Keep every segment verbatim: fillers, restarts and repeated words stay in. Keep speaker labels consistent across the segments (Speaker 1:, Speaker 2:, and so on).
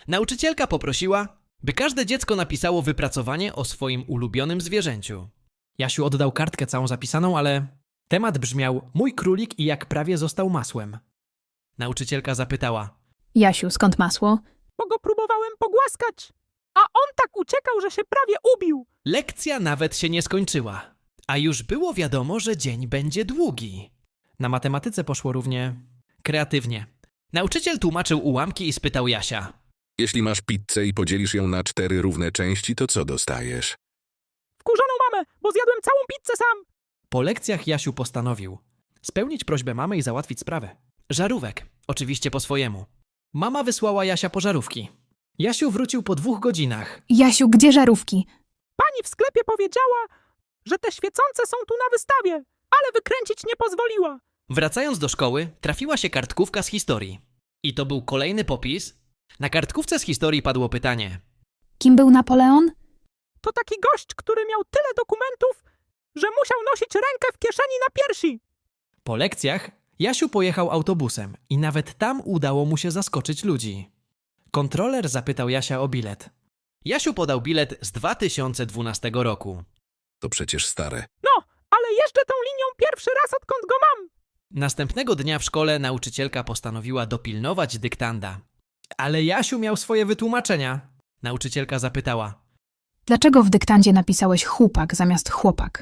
Speaker 1: Nauczycielka poprosiła, by każde dziecko napisało wypracowanie o swoim ulubionym zwierzęciu. Jasiu oddał kartkę całą zapisaną, ale temat brzmiał Mój królik i jak prawie został masłem. Nauczycielka zapytała.
Speaker 2: Jasiu, skąd masło?
Speaker 3: Bo go próbowałem pogłaskać, a on tak uciekał, że się prawie ubił.
Speaker 1: Lekcja nawet się nie skończyła, a już było wiadomo, że dzień będzie długi. Na matematyce poszło równie kreatywnie. Nauczyciel tłumaczył ułamki i spytał Jasia.
Speaker 4: Jeśli masz pizzę i podzielisz ją na cztery równe części, to co dostajesz?
Speaker 3: Wkurzoną mamę, bo zjadłem całą pizzę sam.
Speaker 1: Po lekcjach Jasiu postanowił spełnić prośbę mamy i załatwić sprawę. Żarówek, oczywiście po swojemu. Mama wysłała Jasia po żarówki. Jasiu wrócił po dwóch godzinach.
Speaker 2: Jasiu, gdzie żarówki?
Speaker 3: Pani w sklepie powiedziała, że te świecące są tu na wystawie, ale wykręcić nie pozwoliła.
Speaker 1: Wracając do szkoły, trafiła się kartkówka z historii. I to był kolejny popis. Na kartkówce z historii padło pytanie.
Speaker 2: Kim był Napoleon?
Speaker 3: To taki gość, który miał tyle dokumentów, że musiał nosić rękę w kieszeni na piersi.
Speaker 1: Po lekcjach Jasiu pojechał autobusem i nawet tam udało mu się zaskoczyć ludzi. Kontroler zapytał Jasia o bilet. Jasiu podał bilet z dwa tysiące dwunastego roku.
Speaker 4: To przecież stare.
Speaker 3: No, ale jeżdżę tą linią pierwszy raz, odkąd go mam.
Speaker 1: Następnego dnia w szkole nauczycielka postanowiła dopilnować dyktanda. Ale Jasiu miał swoje wytłumaczenia. Nauczycielka zapytała.
Speaker 2: Dlaczego w dyktandzie napisałeś chłopak zamiast chłopak?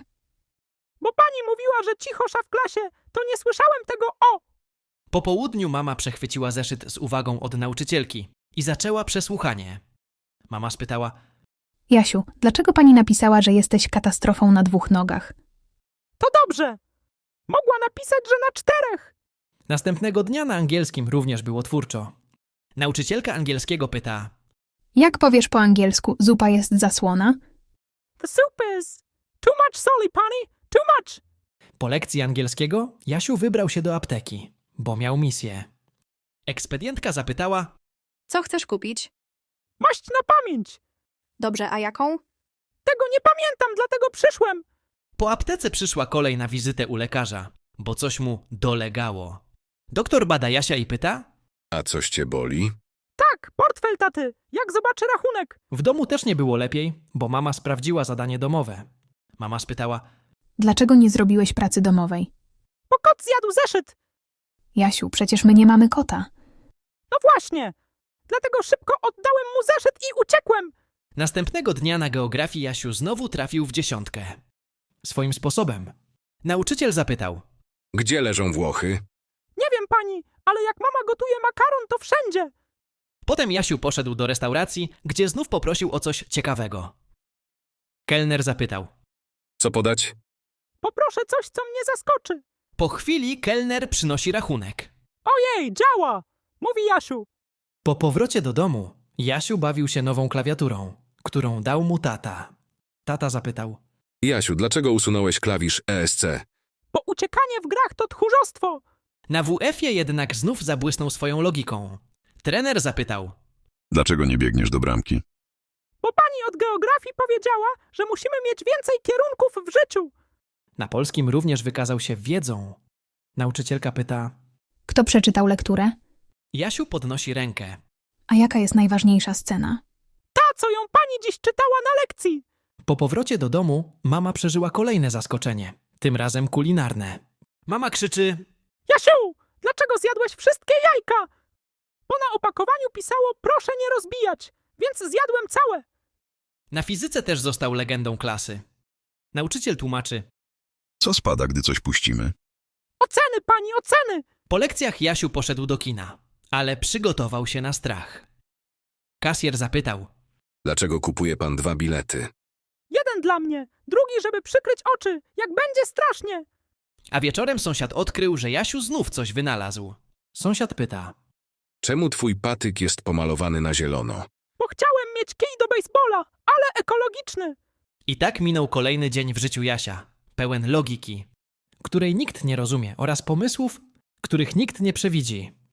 Speaker 3: Bo pani mówiła, że cichosza w klasie, to nie słyszałem tego o.
Speaker 1: Po południu mama przechwyciła zeszyt z uwagą od nauczycielki i zaczęła przesłuchanie. Mama spytała.
Speaker 2: Jasiu, dlaczego pani napisała, że jesteś katastrofą na dwóch nogach?
Speaker 3: To dobrze. Mogła napisać, że na czterech.
Speaker 1: Następnego dnia na angielskim również było twórczo. Nauczycielka angielskiego pyta.
Speaker 2: Jak powiesz po angielsku, zupa jest zasłona?
Speaker 3: The soup is too much soli, pani, too much.
Speaker 1: Po lekcji angielskiego Jasiu wybrał się do apteki, bo miał misję. Ekspedientka zapytała.
Speaker 5: Co chcesz kupić?
Speaker 3: Maść na pamięć.
Speaker 5: Dobrze, a jaką?
Speaker 3: Tego nie pamiętam, dlatego przyszłem.
Speaker 1: Po aptece przyszła kolej na wizytę u lekarza, bo coś mu dolegało. Doktor bada Jasia i pyta.
Speaker 4: A coś cię boli?
Speaker 3: Tak, portfel taty. Jak zobaczy rachunek?
Speaker 1: W domu też nie było lepiej, bo mama sprawdziła zadanie domowe. Mama spytała.
Speaker 2: Dlaczego nie zrobiłeś pracy domowej?
Speaker 3: Bo kot zjadł zeszyt.
Speaker 2: Jasiu, przecież my nie mamy kota.
Speaker 3: No właśnie. Dlatego szybko oddałem mu zeszyt i uciekłem.
Speaker 1: Następnego dnia na geografii Jasiu znowu trafił w dziesiątkę. Swoim sposobem. Nauczyciel zapytał.
Speaker 4: Gdzie leżą Włochy?
Speaker 3: Nie wiem, pani, ale jak mama gotuje makaron, to wszędzie.
Speaker 1: Potem Jasiu poszedł do restauracji, gdzie znów poprosił o coś ciekawego. Kelner zapytał.
Speaker 4: Co podać?
Speaker 3: Poproszę coś, co mnie zaskoczy.
Speaker 1: Po chwili kelner przynosi rachunek.
Speaker 3: Ojej, działa, mówi Jasiu.
Speaker 1: Po powrocie do domu Jasiu bawił się nową klawiaturą, którą dał mu tata. Tata zapytał.
Speaker 4: Jasiu, dlaczego usunąłeś klawisz E S C?
Speaker 3: Bo uciekanie w grach to tchórzostwo.
Speaker 1: Na W F-ie jednak znów zabłysnął swoją logiką. Trener zapytał.
Speaker 6: Dlaczego nie biegniesz do bramki?
Speaker 3: Bo pani od geografii powiedziała, że musimy mieć więcej kierunków w życiu.
Speaker 1: Na polskim również wykazał się wiedzą. Nauczycielka pyta.
Speaker 2: Kto przeczytał lekturę?
Speaker 1: Jasiu podnosi rękę.
Speaker 2: A jaka jest najważniejsza scena?
Speaker 3: Ta, co ją pani dziś czytała na lekcji.
Speaker 1: Po powrocie do domu mama przeżyła kolejne zaskoczenie. Tym razem kulinarne. Mama krzyczy.
Speaker 3: Jasiu, dlaczego zjadłeś wszystkie jajka? Bo na opakowaniu pisało proszę nie rozbijać, więc zjadłem całe.
Speaker 1: Na fizyce też został legendą klasy. Nauczyciel tłumaczy.
Speaker 6: Co spada, gdy coś puścimy?
Speaker 3: Oceny, pani, oceny.
Speaker 1: Po lekcjach Jasiu poszedł do kina, ale przygotował się na strach. Kasjer zapytał.
Speaker 4: Dlaczego kupuje pan dwa bilety?
Speaker 3: Jeden dla mnie, drugi, żeby przykryć oczy, jak będzie strasznie.
Speaker 1: A wieczorem sąsiad odkrył, że Jasiu znów coś wynalazł. Sąsiad pyta.
Speaker 4: Czemu twój patyk jest pomalowany na zielono?
Speaker 3: Bo chciałem mieć kij do bejsbola, ale ekologiczny.
Speaker 1: I tak minął kolejny dzień w życiu Jasia, pełen logiki, której nikt nie rozumie oraz pomysłów, których nikt nie przewidzi.